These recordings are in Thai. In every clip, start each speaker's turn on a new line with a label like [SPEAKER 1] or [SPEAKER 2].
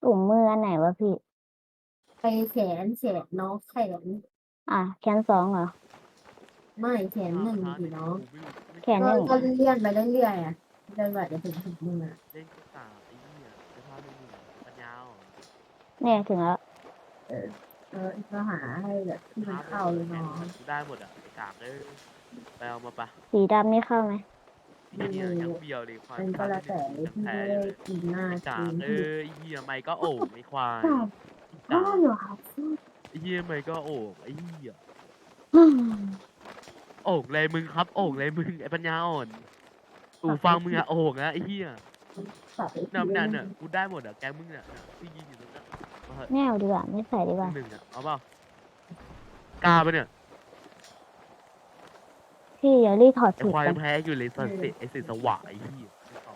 [SPEAKER 1] ถุงมืออันไหนวะพี่
[SPEAKER 2] ไปแขนน้องแขน
[SPEAKER 1] แขน2เหรอ
[SPEAKER 2] ไม่แขนหนึ่งสิน้อง
[SPEAKER 1] แขนหนึ่ง
[SPEAKER 2] ก็เลื่อนไปเรื่อยๆอ่ะจนกว่าจะถึงมืออ่ะ
[SPEAKER 3] เล่นก็กาไอ้เหี้ยไปพาเล่นนี่ปัญญาอ่อน
[SPEAKER 1] เนี่ยถึงแล้ว
[SPEAKER 2] ก็หาให้แบบที่มันเข้าเลยน้อง
[SPEAKER 3] กูได้หมดอ่ะไอ้กากเลยไปเอามาปะ
[SPEAKER 1] สีดำนี่เข้าไหม
[SPEAKER 3] ไอ้เหี้ยยังเบี้ยวเลยควาย
[SPEAKER 2] มันก็แล้วแต่
[SPEAKER 3] ยัง
[SPEAKER 2] ที่
[SPEAKER 3] แพ้
[SPEAKER 2] ไม่
[SPEAKER 3] เล
[SPEAKER 2] ได้
[SPEAKER 3] ย
[SPEAKER 2] กินหน้า
[SPEAKER 3] ไอ้กาก
[SPEAKER 2] กิน
[SPEAKER 3] เอ้ยไอ้เหี้ยไม่ก็โอ่งไอ้ควาย
[SPEAKER 2] ก็เหรอครับ
[SPEAKER 3] ไอ้เหี้ยไม่ก็โอ่งไอ้เหี้ย
[SPEAKER 1] อืม
[SPEAKER 3] โอ่งเลยมึงครับโอ่งเลยมึงไอ้ปัญญาอ่อนกูฟังมึงอะโอ่งนะไอ้เหี้ย
[SPEAKER 2] สับไอ้
[SPEAKER 3] เนี่ยกูได้หมดอะแกมึงเนี่ยที่ยิงอยู่ตรงนั้นมาเหอะ
[SPEAKER 1] ไม่เอาดีกว่าไม่ใส่ดีกว่า
[SPEAKER 3] หนึ่งอะเอาเปล่ากล้าปะเนี่ย
[SPEAKER 1] พี่อย่ารีบถอด
[SPEAKER 3] ไอ้
[SPEAKER 1] สูต
[SPEAKER 3] ควาย
[SPEAKER 1] ไป
[SPEAKER 3] แพ้อยู่เลยสันติไอ้สิสวะไอ้เหี้ยไม่ตอบ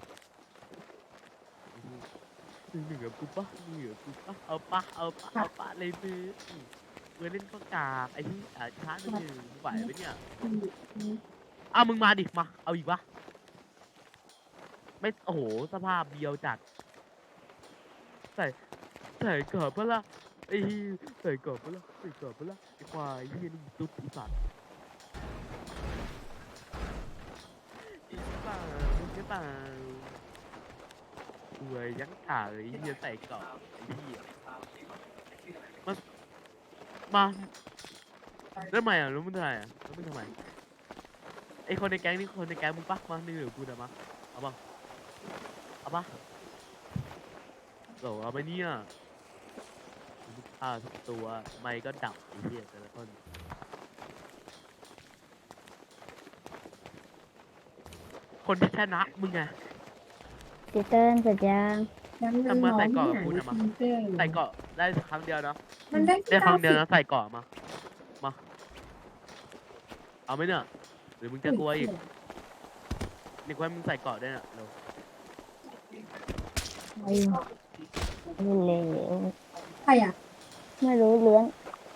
[SPEAKER 3] หนึ่งกับกูปะหนึ่งกับกูปะเอาปะเลยมือเล่นก็กากไอ้ที่ช้าหนึ่งไหวไหมเนี่ยมึงมาดิมาเอาอีกปะไม่โอ้โหสภาพเบียวจัดใส่เกิดปะล่ะไอ้ใส่เกิดปะล่ะไอ้ควายเหี้ยนี่ตุ๊ดอีสัตว์อีเปล่ามึงใช่เปล่าอวยยังกากเลยเหี้ยใส่เกาะไอ้เหี้ยมาแล้วทำไมอ่ะรู้มึงทำไมอ่ะแล้วมึงทำไมไอคนในแก๊งนี่คนในแก๊งมึงปะมานี่เหลือกูนะมาเอาปะโหลเอาไปเนี่ยมึงฆ่าทุกตัวไม่ก็ดับไอ้เหี้ยแต่ละคนคนที่ชนะมึงไง
[SPEAKER 1] สีเติ้ลเสร็จยัง
[SPEAKER 3] ทำมาใส่เกาะกับกูนะมาใส่เกาะได้ครั้งเดียวเนาะ
[SPEAKER 2] มันได้
[SPEAKER 3] ได้ครั้งเดียวนะใส่เกาะมาเอาไหมเนี่ยหรือมึงจะกลัวอีกนี่ว่ามึงใส่เกาะได้น่ะเร็ว
[SPEAKER 1] ไม่เลว
[SPEAKER 2] ใครอ่ะ
[SPEAKER 1] ไม่รู้เลื้อน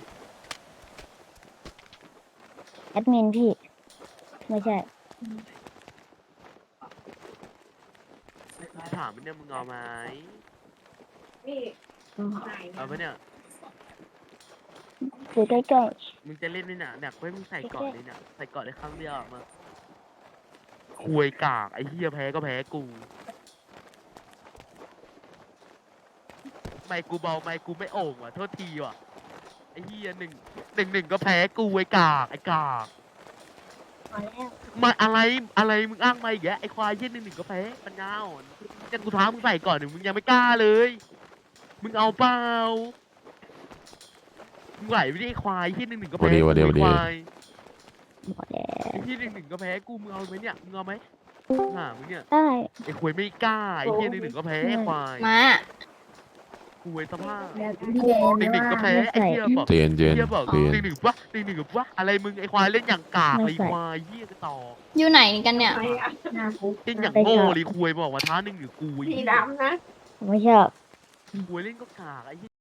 [SPEAKER 1] แอดมินพี่ ไม่ใช่
[SPEAKER 3] ถามมันเนี่ยมึงเอาไหมเอาไหมเนี่ย
[SPEAKER 1] อยู่ใกล้
[SPEAKER 3] มึงจะเล่นนี่น่ะเนี่ยเว้ยมึงใส่เกาะเลยเนี่ยใส่เกาะได้ครั้งเดียวอะมาควยกากไอ้เหี้ยแพ้ก็แพ้กูไม่กูเบาไม่กูไม่โอ่งว่ะโทษทีว่ะไอ้เหี้ยหนึ่งก็แพ้กูไอ้กาก
[SPEAKER 1] ๆพอแล้ว
[SPEAKER 3] มาอะไรมึงอ้างมาอีกแกไอ้ควายเหี้ยหนึ่งก็แพ้ปัญญาอ่อนกันกูท้ามึงใส่ก่อนหนึ่งมึงยังไม่กล้าเลยมึงเอาเปล่ามึงไหวไม่ได้ไอ้ควายเหี้ยหนึ่งก็แพ้กูไอ้ควาย
[SPEAKER 1] หมดแล้ว
[SPEAKER 3] ไอ้ที่หนึ่งก็แพ้กูมึงเอาไหมเนี่ยมึงเอาไหมมึงเนี่ย
[SPEAKER 1] ได้
[SPEAKER 3] ไอ้ควยไม่กล้าไอ้ที่หนึ่งก็แพ้ไอ้ควาย
[SPEAKER 4] มา
[SPEAKER 3] ควยสภาพ
[SPEAKER 2] พี่แดง
[SPEAKER 3] หนึ่งก็แพ้ไอ้เหี้ยบอก
[SPEAKER 5] เย็น
[SPEAKER 3] เหี้ยบอกหนึ่งกับวะอะไรมึงไอ้ควายเล่นอย่างกากไอ้ควายเหี้ยกระต่อ
[SPEAKER 4] อยู่ไหนกันเนี่ย
[SPEAKER 2] หน้าคุก
[SPEAKER 3] เล่นอย่างโง่เลยควยบอกว่าท้าหนึ่งหรือกู
[SPEAKER 2] สีดำนะ
[SPEAKER 1] ไม่ชอบ
[SPEAKER 3] ควยเล่นก็กากไอ้